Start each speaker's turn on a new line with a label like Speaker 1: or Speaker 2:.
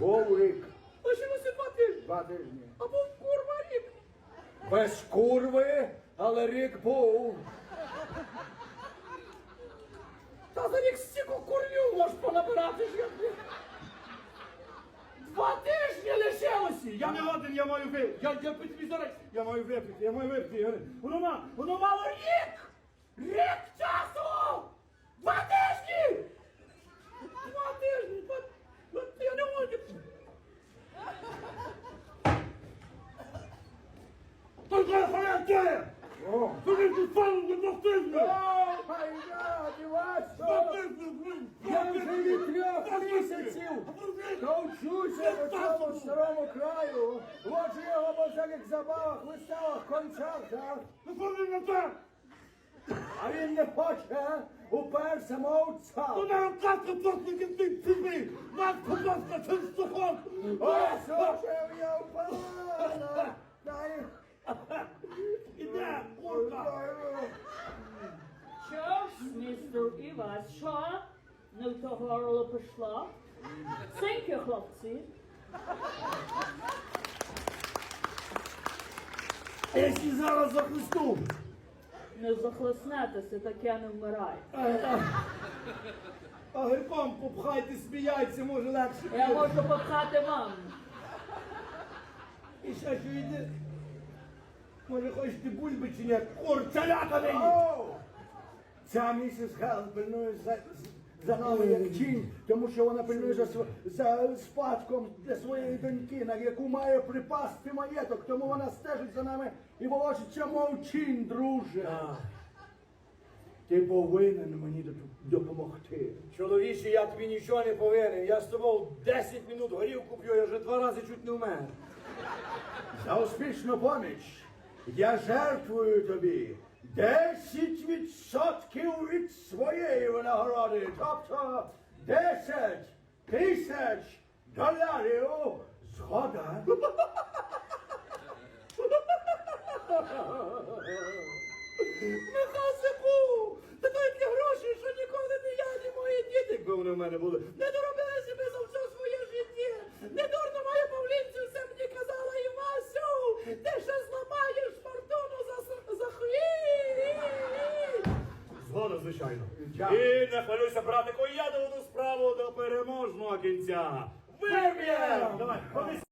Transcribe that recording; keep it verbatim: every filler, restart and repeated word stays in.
Speaker 1: Був рік.
Speaker 2: Лишилося два тижні.
Speaker 1: Два тижні.
Speaker 2: А був курва рік.
Speaker 1: Без курви, але рік був.
Speaker 2: Та за рік стільки курню можеш понабирати. ж я- Два тижні лишилося. Я не годен, я маю випити. Я, я тобі зараз. Я маю випити, я маю випити. Воно, ма- воно мало рік! Рік часу! Два тижні! Два тижні! Два... два- Я не можу. Только халяття!
Speaker 1: О!
Speaker 2: Тобі тут пану не достигне!
Speaker 1: О, майда, дівачко! Я вже від трьох місяців навчуся по цьому старому краю. Воджу його по всяких забавах, виставах, концертах.
Speaker 2: Ну повинен на те!
Speaker 1: А він не хоче, уперся мовця.
Speaker 2: Ну на рукавку плотники ти тобі! Нас, будь ласка, через сухот!
Speaker 1: Ось уже я впала. Дай.
Speaker 2: Іде, курка!
Speaker 3: Що ж, містер Івас, що? Не в то горло пішло? Thank you, хлопці.
Speaker 2: А якщо зараз захлесту?
Speaker 3: Не захлеснетеся, таке не вмирай.
Speaker 2: А грибом попхайте, сміяйся, може легше.
Speaker 3: Я можу попхати маму.
Speaker 2: І ще що йде? Може хочете бульби чи ні? Курчаляка не їсть!
Speaker 1: О! Ця місіс Гел пильнує за, за нами як тінь, тому що вона пильнує за, св- за спадком для своєї доньки, на яку має припасти маєток, тому вона стежить за нами і волочиться, мов тінь, друже. Ти повинен мені доп- допомогти.
Speaker 4: Чоловіче, я тобі нічого не повинен. Я з тобою десять минут горілку п'ю, я вже два рази чуть не вмер.
Speaker 1: За успішну поміч я жертвую тобі десять відсотків від своєї винагороди, тобто десять тисяч доларів. Згода?
Speaker 2: Михасику! Та такі гроші, що ніколи не я, ні мої діти, якби вони в мене були, не доробили себе за все своє життя. Не дурно моя Павлінцю все мені казала, Івасю, ти ще зламаєш фортуну за, с- за хвіль. Згода, звичайно.
Speaker 1: Дякую.
Speaker 2: І не хвилюйся, братику, я доведу справу до переможного кінця. Виб'єм! Давай, ходи.